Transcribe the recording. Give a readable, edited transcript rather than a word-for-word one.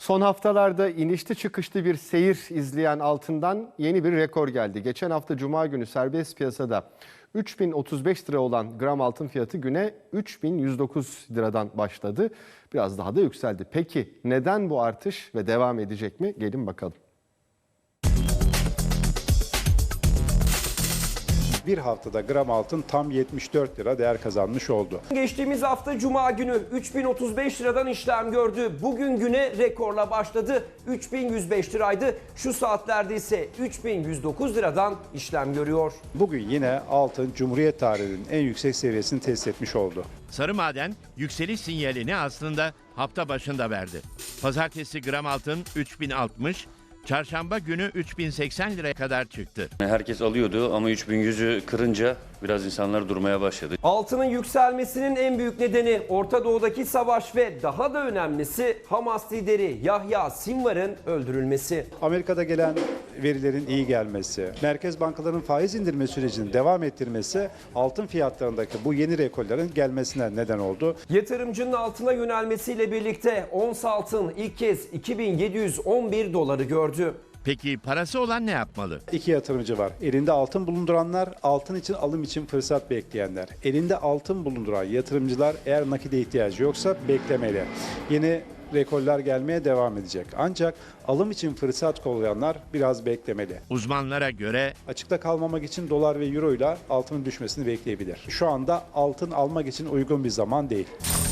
Son haftalarda inişli çıkışlı bir seyir izleyen altından yeni bir rekor geldi. Geçen hafta Cuma günü serbest piyasada 3035 lira olan gram altın fiyatı güne 3109 liradan başladı. Biraz daha da yükseldi. Peki neden bu artış ve devam edecek mi? Gelin bakalım. Bir haftada gram altın tam 74 lira değer kazanmış oldu. Geçtiğimiz hafta Cuma günü 3035 liradan işlem gördü. Bugün güne rekorla başladı. 3105 liraydı. Şu saatlerde ise 3109 liradan işlem görüyor. Bugün yine altın Cumhuriyet tarihinin en yüksek seviyesini test etmiş oldu. Sarı maden yükseliş sinyalini aslında hafta başında verdi. Pazartesi gram altın 3060, çarşamba günü 3080 liraya kadar çıktı. Herkes alıyordu ama 3100'ü kırınca biraz insanlar durmaya başladı. Altının yükselmesinin en büyük nedeni Orta Doğu'daki savaş ve daha da önemlisi Hamas lideri Yahya Sinvar'ın öldürülmesi. Amerika'da gelen verilerin iyi gelmesi, merkez bankalarının faiz indirme sürecini devam ettirmesi altın fiyatlarındaki bu yeni rekorların gelmesine neden oldu. Yatırımcının altına yönelmesiyle birlikte ons altın ilk kez 2711 doları gördü. Peki parası olan ne yapmalı? İki yatırımcı var. Elinde altın bulunduranlar, altın için alım için fırsat bekleyenler. Elinde altın bulunduran yatırımcılar eğer nakide ihtiyacı yoksa beklemeli. Yeni rekorlar gelmeye devam edecek. Ancak alım için fırsat kollayanlar biraz beklemeli. Uzmanlara göre Açıkta kalmamak için dolar ve euro ile altının düşmesini bekleyebilir. Şu anda altın almak için uygun bir zaman değil.